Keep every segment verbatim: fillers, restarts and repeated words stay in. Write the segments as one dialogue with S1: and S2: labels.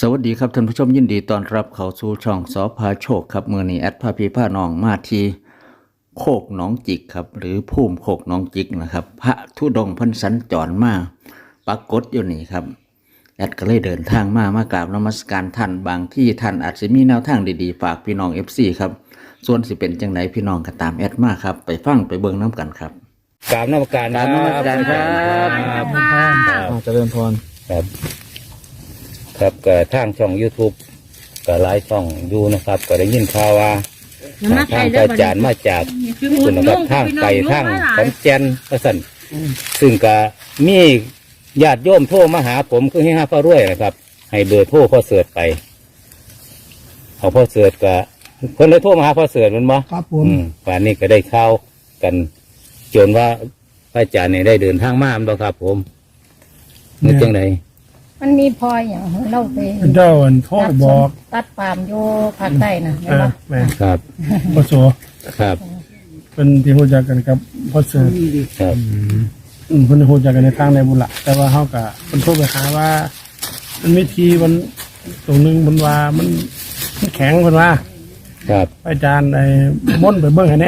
S1: สวัสดีครับท่านผู้ชมยินดีต้อนรับเข้าสู่ช่องสพาโชคครับมือนี้แอดพาพี่พาน้องมาที่โคกหนองจิกครับหรือภูมิโคกหนองจิกนะครับพระธุดงค์เพันสัญจรมาปรากฏอยู่นี่ครับแอดก็เลยเดินทางมามากราบนมัสการท่านบางที่ท่านอาจจะมีแนวทางดีๆฝากพี่น้อง เอฟ ซี ครับส่วนสิเป็นจังไหนพี่น้องก็ตามแอดมาครับไปฟังไปเบิ่งน้ำกันครับ
S2: กราบนมัสการ
S1: กราบนมัสการครับ
S2: ครับ
S1: เจริญพร
S2: ครับครับก็ทางช่อง YouTube ก็หลายช่องอยู่นะครับ ก็ได้ยินข่าวว่าทางอาจารย์มาจากคุณนะครับทางไกลทางขอนแก่นก็สั่นซึ่งก็มีญาติโยมโทรมาหาผมคือให้ห้าพ่อรวยนะครับ ให้เบอร์โทรพ่อเสิร์ชไปเอาพ่อเสิร์ชก็คนเลยโทรมาหาพ่อเสิร์ชมันบ่
S3: ครับผม
S2: อืมป่านนี้ก็ได้ข่าวกันจนว่าพระอาจารย์เนี่ยได้เดินทางมาบ่ครับ ผมนึกจังได
S4: มันมีพลอยอย่างเราไป
S3: เจ้าอันโทษบอก
S4: ตัดปาล์มโยภาคใต้นะ
S3: เอ
S4: เห็น
S3: อ
S4: ปะ
S3: แม่
S2: ครับ
S3: พ่อโส
S2: ครับ
S3: เป็นที่รู้จักกันกับพ่อเสือ
S2: ครับ
S3: อืมเพิ่นรู้จักกันในทางในบุญละแต่ว่าเขากะเพิ่นโทรไปหาว่า มันมีทีมันตรงหนึงมันว่ามันมันแข็งเพิ่นว่า
S2: ครับ
S3: อาจารย์ไอ้ม่นต์ไปเบิ่งให้แหน่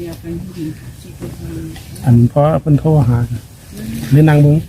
S3: อันเพราะเพิ่นโทรหาเลยนั่งเบิ่ง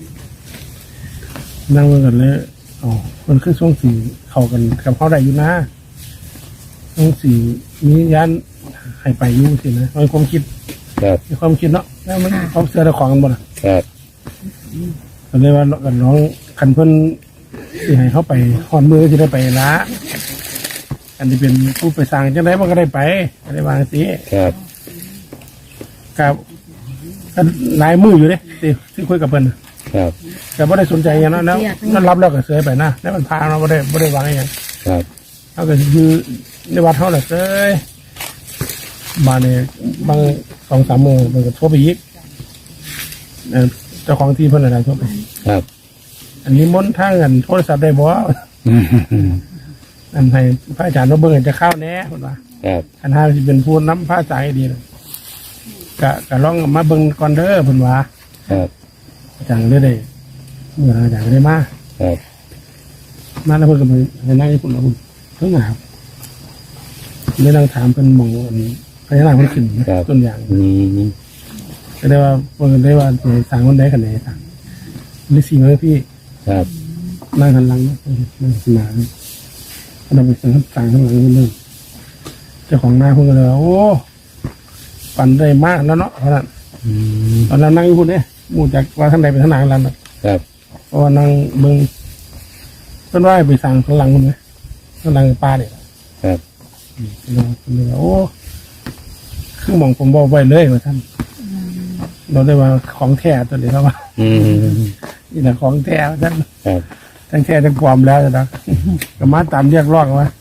S3: นั่งเบิ่งกันเลยอ๋อมันคือช่วงสีเข้ากันกับเขาได้อยู่นะช่วงสีมียันให้ไปอยู่สินะมันความคิด
S2: ครับ
S3: มีความคิดเนาะแล้วมันความเสือตะของกันบ่ล่ะ
S2: ครับ
S3: ก็เลยว่ากันน้องคันเพิ่นสิให้เขาไปฮอดมือก็สิได้ไปละอันที่เป็นผู้ไปสร้างจังไดมันก็ได้ไปก็ได้วางสิ
S2: ครับ
S3: กับก็หลายมืออยู่เด้ที่ที่คุยกับเพิ่นน่ะ
S2: ครับ
S3: แต่บ่ได้สนใจอย่างนั้นแล้วนั่นรับแล้วก็เสยไปนะแล้วมันพาเราบ่ได้บ่ได้วางอหยัง
S2: ครับ
S3: เขาก็คือในวัดเฮาแหละเสยมาเนี่ยบางสองสามโมงมันก็โทรไปอีกเอ่อเจ้าของที่เพิ่นน่ะโทรไป
S2: ครับ
S3: อันนี้มนต์ทางอันโทรศัพท์ได้บ่
S2: อืม
S3: อันให้พระอาจารย์มาเบิ่งให้จะเข้าแหน่เพิ่นว่า
S2: ครับ
S3: อันห้าสิเป็นผู้นำพระอาจารย์ให้ดีนะก็ก็ลองมาเบิ่งก่อนเด้อเพิ่นว่า
S2: ครับ
S3: อาจารย์ได้ได้เมื่ออาจารย์ก็ได้มา
S2: ครับ
S3: มาแล้วเพิ่นก็ไปให้นั่งญี่ปุ่นแล้วเพิ่นเพิ่งหนาวเลยนั่งถามเพิ่นหมองอันพญานาคเพิ่นขึ้นนะต้นอย่าง
S2: อืม
S3: ก็ได้ว่าเพิ่นก็ได้ว่าสิสร้างคนใดกันไหนสั่งนี่สิมาพี่
S2: ครับ
S3: นั่งหันหลังนะนั่งหันหน้าเราไปสั่งสั่งข้างหลังนิดนึงเจ้าของหน้าเพิ่นก็เลยว่าโอ้ปันได้มากแล้วเนาะเพราะนั้น
S2: อืม
S3: ตอนนั้นนั่งอยู่พุ่นเนี่ยหมู่จากว่าทางใดไปทางไหนแล้วนะครับ เพราะว่านั่งเบิ่งเพิ่นว่าให้ไปสั่งข้างหลังพุ่นไหมข้างหลังป้าเนี่ย
S2: ครับ
S3: เราเลยว่าโอ้คือหมองผมบอกไว้เลยว่าท่านเราได้ว่าของแท้ตัวนี้ครับว่า
S2: อืม
S3: นี่แหละของแท้ว่าท่าน
S2: ครับ
S3: ทั้งแท้ทั้งความแล้วนะก็มาตามเรียกร้องว่า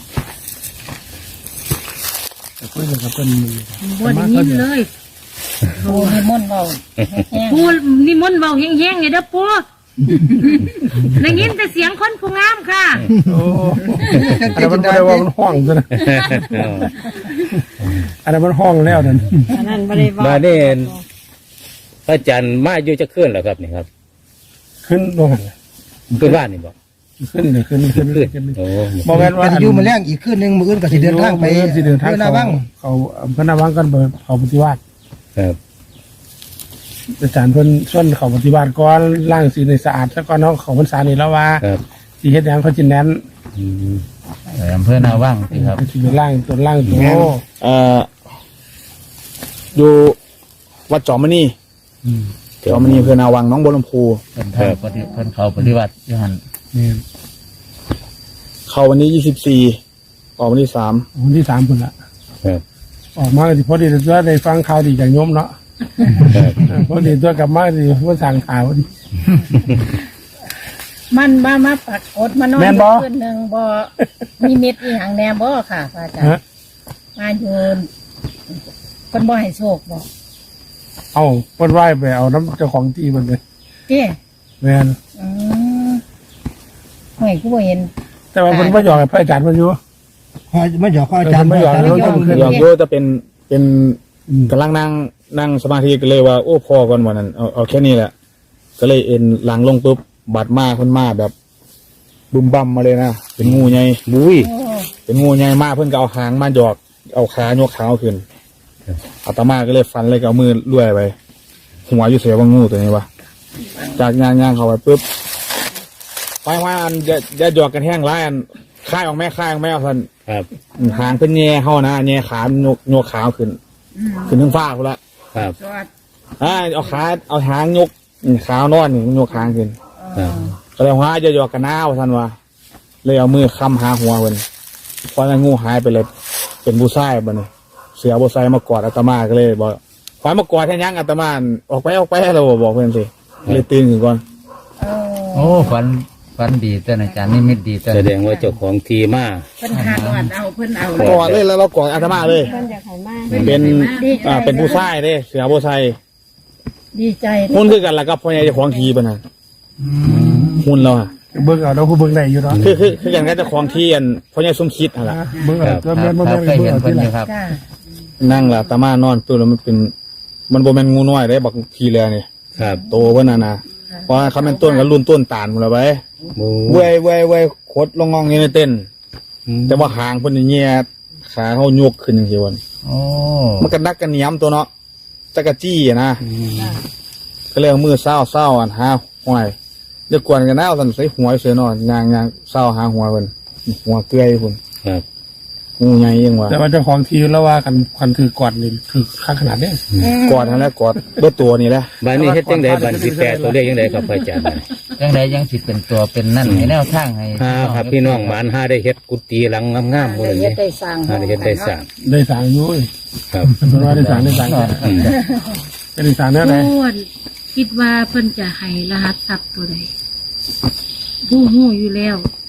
S3: แต่คุยกันกับเพิ่น
S5: บ่ได้ยินเลย
S4: โอ้ให้ม่นต์เราแห้ง
S5: ปูนิมนต์เบาแห้งๆไงเด้อปูได้ยินแต่เสียงคนผู้งามค่ะ
S3: โอ้อันนั้นมันไม่ได้ว่ามันห้องซะนะอันนั้นมันห้องแล้วนั่น
S4: อันนั้นบ่ได้ว่า
S2: มาเนี่ยพระอาจารย์มาอยู่จะขึ้นเหรอครับนี่ครับ
S3: ขึ้นลงหัน
S2: ขึ้นบ้านนี่บอก
S3: ขึ้นเลยขึ้นขึ้น
S2: ขึ้น
S3: ขึ้น
S2: โอ้
S3: บอกแม่นว่า
S6: กันอยู่มาแรงอีกคืนหนึงมื้ออื่นก็สิเดินทางไป
S3: สิเดินทาง
S6: เพื่อหน้า
S3: เขา
S6: บ้าง
S3: เขาอำเภอหนาวังกันเปิดเขาปฏิวัติ
S2: ครับ
S3: อาจารย์เพิ่นส่วนเขาปฏิวัติก่อนล้างสีในสะอาดแล้วก็น้องเขาพรรษานี่แล้วว่า
S2: ครับ
S3: สีเฮ็ดหยังเขาจินแนน
S2: อืม
S1: อำเภอนาว่างสิครับ
S3: สิไปล่างตัวล่างตัว
S7: เอ่ออยู่วัดจอมณี
S3: อืม
S7: จอมณีอำเภอนาวังหน้องบัวลำพู
S1: เพิ่นทางปฏิเพิ่นเขาปฏิบัติอยู่หั่น
S3: นี่
S7: เข้าวันนี้ยี่สิบสี่ออกวันที่สาม
S3: วันที่สามพุ่นละ
S2: ครับ
S3: ออกมาก็สิพอดีตัวได้ฟังข่าวดีจากโยมเนาะ
S2: ครับ
S3: พอดีตัวกลับมาสิว่าสั่งข่าวพอดี
S4: มันมามาปรากฏมานอน
S3: แม่นบ่
S4: คืนหนึงบ่มีเม็ดอีหยังแหน่บ่ค่ะพระอาจาร
S3: ฮะ
S4: ย์มาอยู่เพิ่นบ่ให้โชคบ่
S3: เอาเพิ่นไหว้ไปเอาน้ำเจ้าของที่มันเลย
S4: เจ้
S3: แม่น
S4: อืมห่วยกูบ่เห็น
S3: แต่ว่าเพิ่นบ่ยอมให้พระอาจารย์เพิ่นอยู่
S6: ขอมาหยอกขออาจารย์
S3: เออไม่หยอก
S6: อาจารย์
S3: เรา
S6: ย
S3: ต้
S6: อ
S3: อง
S6: ม
S3: ขึ้น
S7: อยากโยจะเป็นเป็น
S3: อืม
S7: กำลังนั่งนั่งสมาธิก็เลยว่าโอ้พอก่อนวันนั้นเอาเอาแค่นี้แหละ ก็เลยเอ็นหลังลงปุ๊บบัดมาคนมาแบบบึมบัมมาเลยนะเป็นงูใหญ่
S2: บุ้ย
S4: โอ้
S7: เป็นงูใหญ่มากเพิ่นก็เอาหางมาหยอกเอาขายกขาขึ้นอาตมาก็เลยฟันเลยก็เอามือลุ่ยไปหัวอยู่เสียว่างูตัวนี้วะจากย่างย่างเข้าไปปุ๊บไปว่าอันจะจะหยอกกันแห้งร้ายอันค่ายออกแม่ค่ายออกแม่เอาสัน
S2: ครับ
S7: หางเป็นแง่เข้านะแง่ขาโยกโยกขาขึ้นขึ้นทั้งฟ้าพุ่นละ
S2: ครับ
S4: จอด
S7: อ่าเอาขาเอาหางยกขานอนนี่โยกหางขึ้น
S2: ครับ
S7: ก็เลยว่าจะหยอกกันหน้าว่าสันวะเลยเอามือค้ำหาหัวเพิ่นพอนั้นงูหายไปเลยเป็นบูซ่ายบัดนี้เสือบูซ่ายมากอดอาตมาก็เลยบอกขวายมากอดแค่ยังอาตมาออกไปออกไปเราบอกเพื่อนสิเลยตื่นขึ้นก่อน
S4: เออ
S8: โอ้ฝันฝันดีเต้นอาจารย์นี่มิตดีเต้น
S2: แสดงว่าเจ้าของทีมา
S4: เพิ่นหาดอดเอาเพิ่นเอา
S7: กอดเลยแล้วเรากอดอาตมาเลย
S4: เพิ่นอยากให้มา
S7: เป็นอ่าเป็นผู้ชายเด้เสือผู้ชาย
S4: ดีใจ
S7: หุ่นคือกันแล้วก็พ่อใหญ่เจ้าของทีปะนะหุ่นเราอะ
S3: เบิ่งเอาเราผู้เบิ่งได้อยู่เนาะ
S7: คือคือคือกันกับเจ้าของทีอันพ่อใหญ่สมคิดอะไร
S3: เบิ่งเอาตัว
S8: ค
S3: แม่
S8: รับ
S3: นบ่
S8: ครับ
S3: แม่น
S8: เคย
S3: เบิ่ง
S8: เห็น
S3: เอา
S8: เพิ่
S3: ที่
S8: น
S3: ห
S8: อ
S3: ลัง
S8: ยู่ครับ
S4: จ้า
S7: นั่งละอาตมานอนตัวแล้วมันเป็น มันโบแมนงูน้อยได้บักทีเลยนี่
S2: ครับ
S7: โตเพิ่นน่ะนะเพราะว่าเขาเป็นต้นกับรุ่นต้นตาลหมดแล้วไป
S2: บุ
S7: เว้ยเว้ยเว้ยโคตรลงงองอยู่ในเต้น
S2: อืม
S7: แต่ว่าหางเพิ่นนี่แย่ขาเขาโยกขึ้นอย่างเงี้ยวัน
S8: โอ้
S7: มันก็นักกันเหนียมตัวเนาะจักรจี้อะนะก็เลยเอามือเศร้าเศร้าอันหาหวยเดี๋ยวกวนกันหน้าเอาสันใส่หัวเสือนอนยางยางเศร้าหาหัวเพิ่นหัวเกลือยพุ่น
S2: ครับ
S7: งูใหญ่ยังวะ
S3: แต่ว่าเจ้าของทีแล้วว่ากันคันถือกอดนี่คือข้างขนาดเนี้ย
S7: กอดนั่นแหละกอดเบิดตัวนี่แหละ
S2: บ้านนี้เฮ็ดจังไดบ้านสิแปดตัวเลขจังไดครับพระอาจารย์
S8: ยังไดยังสิเป็นตัวเป็นนั่นให้แนวทางให้
S2: ห้าครับพี่น้องหมานห้าได้เฮ็ดกุฏิหลังงามๆหมดเลย
S4: เฮ็
S2: นี่
S4: ดได้สร้าง
S2: ห้าได้เฮ็ดได้สร้าง
S3: ได้สร้างอยู่เอ้ย
S2: ครับ
S3: เป็นว่าได้สร้างได้สร้าง
S2: อืม
S3: ได้สร้างแน่ไหน
S5: พูดคิดว่าเพิ่นจะให้รหัสทรัพย์ตัวใดผู้หูอยู่แล้ว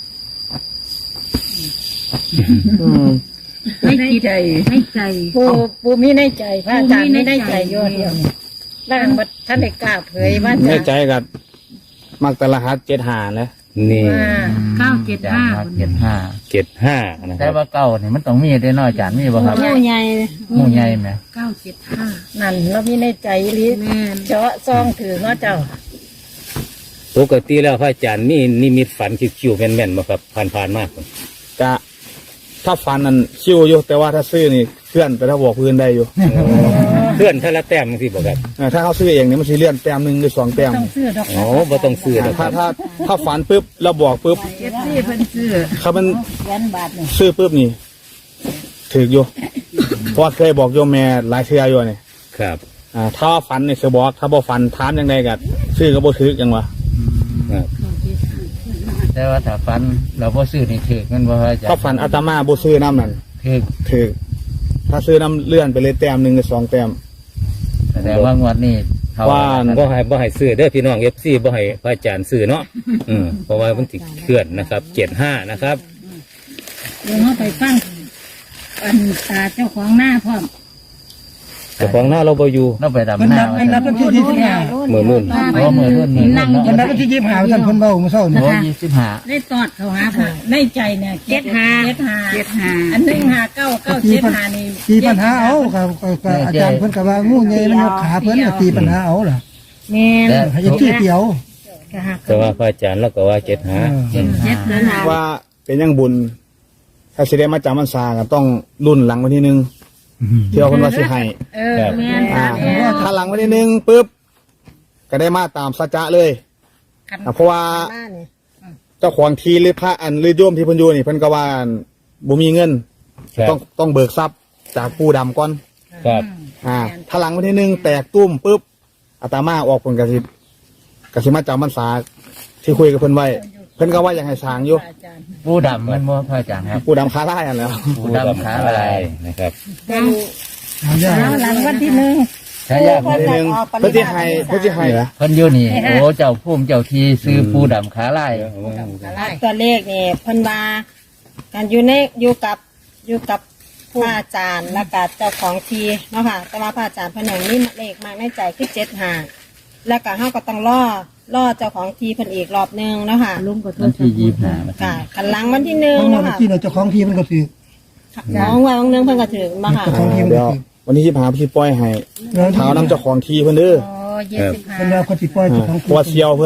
S7: อืม
S5: ไม่
S4: ใน
S5: คิด
S4: ใจ
S5: ไม่ใจ
S4: ปูปูมีในใจพระอาจารย์
S5: ปูมี
S4: มี
S5: ใน
S4: ใน
S5: ใจ
S4: ใจอยู่เดียวนี่ร่างบัดท่านได้กล้าเผยว่า
S7: ใน
S4: จะ
S7: ใจกับมักแต่รหัสเจ็ดหาแหล้ว
S2: นี่
S4: ว่า
S5: เก้าเจ็ดห้า
S8: เจ็ดห้า
S2: เจ็ดห้านะค
S8: แต่
S2: รับ
S8: ว่าเก้านี่มันต้องมีได้น้อยอาจารย์มีบ่ครับ
S4: ผู้ใหญ่
S8: หมู่ใหญ่ไหม
S5: เก้าเจ็ดห้า
S4: นั่นเรามีในใจอีหลิ
S5: แม่น
S4: เจาะซองถือเนาะเจ้า
S2: ปกติแล้วพระอาจารย์นี่นิมิตฝันคิวๆแม่นๆบ่ครับผ่านๆมาก
S7: กะถ้าฟันนั่นคิ้วอยู่แต่ว่าถ้าซื้อนี่เคลื่อนไปถ้าบอกพื้นได้อยู่
S2: เพื่อนท่าละแต้มสิบ่ครับ
S7: เออถ้าเขาซื้อเองเนี่ยมันสิเลื่อนแต้มหนึ่งหรือสองแต้ม
S4: ต้องซื้อดอก
S2: อ๋อบ่ต้องซื้อนะค
S7: ถ้า
S2: รับ
S7: ถ้าถ้าฝันปุ๊บเราบอกปุ๊บ
S4: เจ็ดสี่เพิ่นซื้อ
S7: เขามัน
S4: แสนบาทนี่
S7: ซื้อปุ๊บนี่ถืออยู่เพราะว่าเคยบอกโยมแม่หลายเทื่ออยู่นี่
S2: ครับ
S7: อ่าถ้าฝันนี่จะบอกถ้าบ่ฝันถามยังไงกัซื้อก็บ่ถือยังวะ
S2: ครับ
S8: แต่ว่าถ้าฝันเราบ่ซื้อนี่ถือมันบ่ครับอาจารย์
S7: ถ้าฝันอาตมาบ่ซื้อน้ำนั่น
S8: ถือ
S7: ถือถ้าซื้อน้ำเลื่อนไปเลยแต้มหนึ่งหรือสองแต้ม
S8: แสดงว่างวดนี้เขา
S7: ว่า
S2: บ่ให้บ่ให้ซื้อเด้อพี่น้อง เอฟ ซี บ่ให้พระอาจารย์ซื้อเนาะอืมเพราะว่ามันสิเคลื่อนนะครับเจ็ดห้านะครับ
S4: เดี๋ยวเราไปฟังอันตาเจ้าของหน้าพร้อม
S2: แต่ของหน้าเราบ่อยู่
S8: เราไปดำหน้า
S6: อันนั้นเป็นที่ที่สิบห้า
S2: มือรุ่น
S8: โอ้มือรุ่นมือรุ่น
S5: นั่ง
S8: เนาะ
S6: อันนั้นเป็นที่ยี่สิบห้าท่านเพิ่นเบาเมื่อเช้านี่
S8: โอ้ยี่สิบห้า
S4: ได้ตอดเขาหาผ่าในใจเนี่ย
S5: เจ็ดห้า
S4: เจ็ดห้า
S5: เจ็ดห้า
S4: อันหนึ่งห้าเก้าเก้าเจ็ดห้านี่
S6: ตีปัญหาเอาครับก็ก็อาจารย์เพิ่นก็ว่างูใหญ่มันยกขาเพิ่นก็ตีปัญหาเอาล่ะ
S4: แม่น
S8: แต่
S6: ให้ที่เดียว
S4: ก็หัก
S2: แต่ว่าพระอาจารย์เราก็ว่าเจ็ดห้า
S8: เจ็ด
S5: เจ็
S8: ห้า
S5: ดแล้วนะ
S7: ว่าเป็นยังบุญ ถ้าสิได้มาจำมันซาก็ต้องรุ่นหลังวันที่หนึ่งเที่ยวคนว่าสิให้
S4: เออแม่น
S7: อ่า
S4: แม่น
S7: ถ้าหลังวันที่หนึ่งปุ๊บก็ได้มาตามสัจจะเลยอ่ะเพราะว่าเจ้าของทีหรือพระอันหรือโยมที่เพิ่นอยู่นี่เพิ่นก็ว่าบ่มีเงิน
S2: ครับ
S7: ต้องต้องเบิกทรัพย์จากผู้ดำก่อน
S2: ครับ
S7: อ่า ถ้าหลังวันที่หนึ่งแตกตุ้มปุ๊บอาตมาออกผลกระสิกระสิมาจำมันสาที่คุยกับเพิ่นไว้ เพิ่นก็ว่าอยากให้สร้างอยู่
S4: อาจารย์
S8: ผู้ดำมันบ่พระอาจารย์ครับ
S7: ผู้ดำคาไล่อันแล้ว
S8: ผู้ดำขาลาย
S2: นะครับ
S4: แล้วหลังวันที่หนึ่ง
S8: ใช่ยาก
S7: วันที่หนึ่งเพิ่นสิให้เพิ่นสิให้นะ
S8: เพิ่นอยู่นี่โอ้เจ้าภูมิเจ้าทีซื้อผู้ดำขาลาย
S9: ตัวเลขนี่เพิ่นว่าการอยู่ในอยู่กับอยู่กับพระอาจารย์และก็เจ้าของทีเนาะค่ะแต่ว่าพระอาจารย์เพิ่นอย่างนี้เลขมากในใจคือเจ็ดห้าแล้วก็เฮาก็ต้องรอรอเจ้าของทีเพิ่นอีกรอบหนึงเนาะค่ะ
S5: ลุงก็โท
S8: วัน
S5: ษ
S8: ที่ยี่สิบห้า
S9: ค่ะคันหลังวันที่หนึ่ง
S6: เพราะว่า
S9: เนาะค่ะ
S6: ที่เราเจ้าของทีมันก็ถือ
S9: น้องว่าวันหนึงเพิ่นก็ถึงมาค่ะ
S6: เจ้าของทีมัน
S7: เดี๋ยว
S6: ก็ถือ
S7: วันนี้สิพาพี่ปล่อยให้
S6: แล้ว
S7: เท้าน้ำเจ้าของทีเพิ่นเด้อ
S4: โอ้ยี่สิบห้า
S6: เพิ่นว่าเขาสิปล่อย
S7: อ่า
S6: เจ้าของ
S7: เพราะว่าเซียวเพิ่น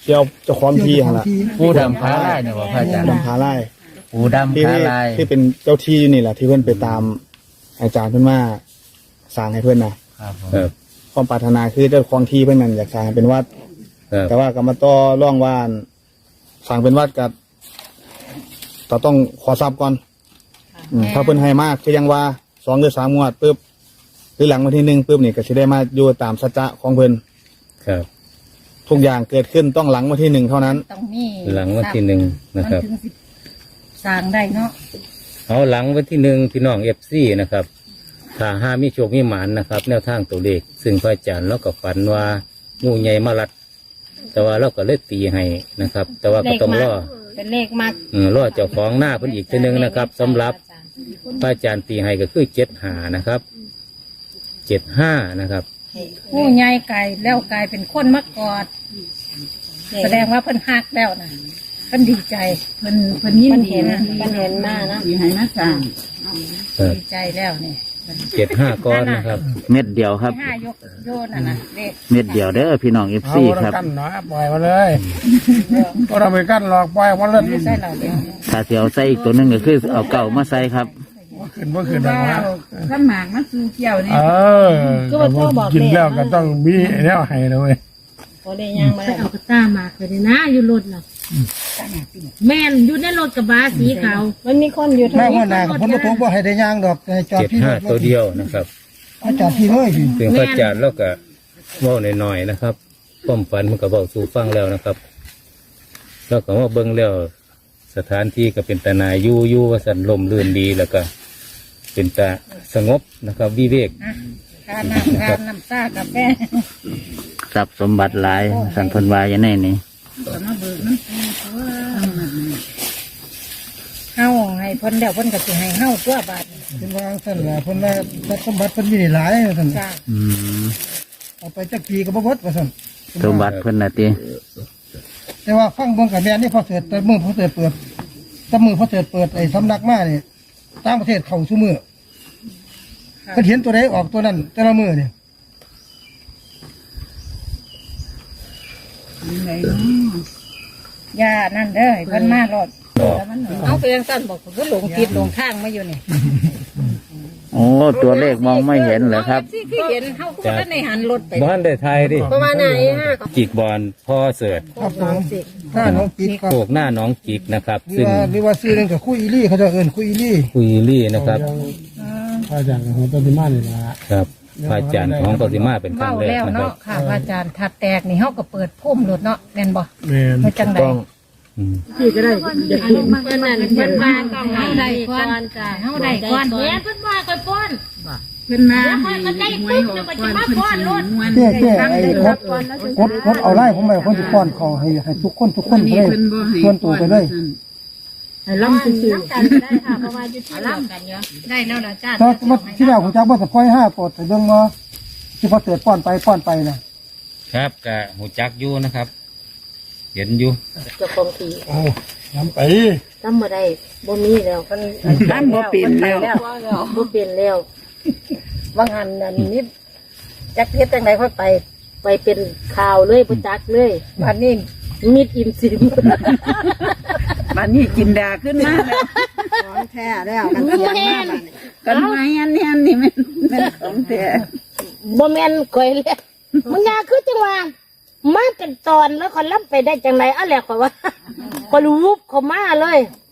S7: เที่ยวเจ้าของที่หั่นล่ะ
S8: ปูดำขาลายเนี่ยบ่พระอาจารย์
S7: ดำผาไล่
S8: ปูดำ
S7: ที่
S8: ขา
S7: ที่
S8: ลาย
S7: ที่เป็นเจ้าที่นี่แหละที่เพื่อนไปตามอาจารย์เพื่อนมาสร้างให้เพื่อนนะครับ
S8: ผม
S2: ครับ
S7: ความปรารถนาคือเจ้าของที่เพื่อนนั่นอยากสร้างให้เป็นวัด
S2: ครับ
S7: แต่ว่ากรรมต่อร่องว่านสร้างเป็นวัดกับเราต้องขอทรัพย์ก่อนอืมถ้าเพื่อนให้มากคือยังว่าสองหรือสามงวดปุ๊บหรือหลังวันที่หนึ่งปุ๊บนี่ก็จะได้มาอยู่ตามสัจจะของเพื่อน
S2: ครับ
S7: ทุกอย่างเกิดขึ้นต้องหลังวันที่หนึ่งเท่านั้น
S4: ต้องมี
S2: หลังวันที่หนึ่งนะครับ
S4: มันถึงสิสร้างได้เนาะ
S2: เอาหลังวันที่หนึ่งพี่น้องเอฟซีนะครับถ้าห้ามีโชคมีหมานนะครับ แนวทางตัวเลขซึ่งพระอาจารย์เราก็ฝันว่างูใหญ่มารัด แต่ว่าเราก็เลยตีให้นะครับ แต่ว่าก็ต้องรอ
S9: เป็นเลขมาก
S2: เออรอเจ้าของหน้าเพิ่นอีกทีหนึงนะครับสำหรับพระอาจารย์ตีให้ก็คือเจ็ดหานะครับเจ็ดห้านะครับ
S4: ผู้ใหญ่ไก่แล้วกลายเป็นคนมากอด แสดงว่าเพิ่นฮักแล้วนะเพิ่นดีใจเพิ่นเพิ่นยิน
S9: มัน
S4: ดี
S9: เห็น
S4: นะ
S9: มันเห็นมากนะ
S4: ดีให้มาสร้าง
S2: ครับ
S4: ดีใจแล้วนี่
S2: เจ็ดห้าก้อนนะครับ
S1: เม็ดเดียวครับ
S4: ห้ายกโยนน่ะนะเด็ก
S1: เม็ดเดียวเด้อพี่น้องเอฟ
S3: เอา
S1: ซี
S3: บ่
S1: ครับ
S3: ต้องกั้นเนาะปล่อยมาเลยก็เราไปกั้นหรอกปล่อยมาเลย
S4: ไม่ใช่เราเดียว
S1: ถ้าสิเอาใส่อีกตัวหนึงก็คือเอาเก่ามาใส่ครับ
S3: บ่ขึ้นบ่ขึ้นหรอกนะ
S4: ข้าหมากมาซื้อเกี่ยวนี่
S3: เออกินแล้วก็ต้องมีไอ้แนวให้นะเว้ย
S9: โอเลยยังมา
S5: ไปเอากระต้ามาเลยนะอยู่รถน่ะแม่นอยู่ในรถกระบะสีขาว
S9: มันมีคนอยู่
S6: แม่
S9: ทางนี้
S6: ว่านาผมบ่ตกบ่ให้ได้ย่างดอกให้จอด
S2: เจ็ด
S6: พี่
S2: ห้าตัวเดียวนะครับ
S6: เอาจอดพี่เลยพี่
S2: ซึ่งพระอาจารย์เราก็เว่าหน่อยๆนะครับความฝันมันก็บอกสู่ฟังแล้วนะครับแล้วก็ว่าเบิ่งแล้วสถานที่ก็เป็นตานาอยู่อยู่ว่าสันลมลื่นดีแล้วก็ เป็นตาสงบนะครับ วิเวก
S4: ทานน้ำทานน้ำซ่ากาแฟ
S1: ทรัพย์สมบัติหลายสันเพันวายอย่างนี้นี่
S4: มาเบิกน้ำปูเฮาให้เพิ่นเดี๋ยวเพิ่นก็สิให้เฮาตัวบาท
S6: เป็นวางซั่นล่ะเพิ่นว่าทรัพย์สมบัติเพิ่นมีหลายว่าซั่น
S4: จ้า
S1: อืม
S6: เอาไปจักปีก็บ่หมดว่าซั่น
S1: สมบัติเพิ่นน่ะติ
S6: แต่ว่าฟังเบิ่งกับแม่นี่พอเสิร์ชแต่มือพอเสิร์ชเปิดแต่มือพอเสิร์ชเปิดไอ้สำนักมานี่ต่างประเทศเข้าซุมือเพิ่นเห็นตัวใดออกตัวนั้นแต่ละมือนี่
S4: ย่านั่นเด้อให้เพิ่นมารถเอาไปยังสั้นบอกก็หลงทิศหลงทางมาอยู่นี่
S1: โอ้ตัวเลขมองไม่เห็นเหรอครับ
S4: ที่คือเห็นเฮาก็บ่ได้หันรถไป
S2: บ้านได้ไทยดิ
S9: ประมาณไหนฮะ
S2: จิกบอลพ่อเสิร์ต
S6: ครับผมถ้าน้องปิดก็
S2: โขกหน้าน้องจิกนะครับ
S6: หรือ
S2: ซึ่ง
S6: ว่าหรือว่าซื้อนึงกับคุยอีลี่เขาจะเอิ้นคุยอีลี่
S2: คุยลี่นะครับ
S3: พระอาจารย์ของต้นที่มานี่ล่ะ
S2: ครับพระอาจารย์ของปฏิมาเป็นครั้
S4: เว้าง
S2: แรก
S4: แล้ว
S2: นะครั
S4: เนาะ
S2: บ
S4: ค่ะพระอาจารย์ถัดแตกนี่เฮาก็เปิดพุ่มรถเนาะแม่นบ่
S3: แม่น
S4: เฮ็ดจังได๋
S2: อืม
S5: ที่ก็ได้เด็กเห็น
S9: เพื่อนนั่นเพื่อนบ้านก็ให้ได้ก่อนจ้ะ
S4: เฮาได้ก่อน
S5: แม่เพิ่นว่าก่อยป้อน
S4: เพิ่นมา
S5: แล้วค่อยก็ได้ปุ๊บเดี๋ยวมันจะมาป้อนรถ
S6: เจ๊เจ๊ไอ้กดกดกดเอาไล่ผมไปคนทุกคนเขาให้ให้ทุกคนทุกคนไปเลยส่วนตัวไปเลย
S5: ให้ล้ำซื่อ
S9: น้ำกันได้ค่ะเพราะว่าอยู่ที่เดียวกันเนาะ
S4: ได้แล้วล่ะจ้า
S6: ถ้าว่าที่เราผมจะบอกจะปล่อยห้าปอดแต่เรื่องว่าที่พอเกิดป้อนไปป้อนไปนะครับ
S2: กะหูจักอยู่นะครับ เห็นอยู่
S9: เจ้าของที
S3: เอาน้ำไป
S9: จำบ่ได้บ่มีแล้วเพิ่น
S4: ท่านบ่เปลี่ยนแล้ว
S9: บ่เปลี่ยนแล้วว่างหันนั่นนี่จักเฮ็ดจังไดค่อยไป ไปเป็นข่าวเลยบ่จักเลยบัดนี้มิดอิ่มซิม
S4: บัดนี้จินดาขึ้นมาแล้ว
S6: ของแท้แล้วกันเสียงมาก
S4: กันไม้อันนี้อันนี้มันมันของแท้
S5: บ่แม่นก่อยเลยมึงอยาคือจังว่ามาเป็นตอนแล้วคนล้ำไปได้จังไรอะไรขอยว่าคนรูปเขามาเลย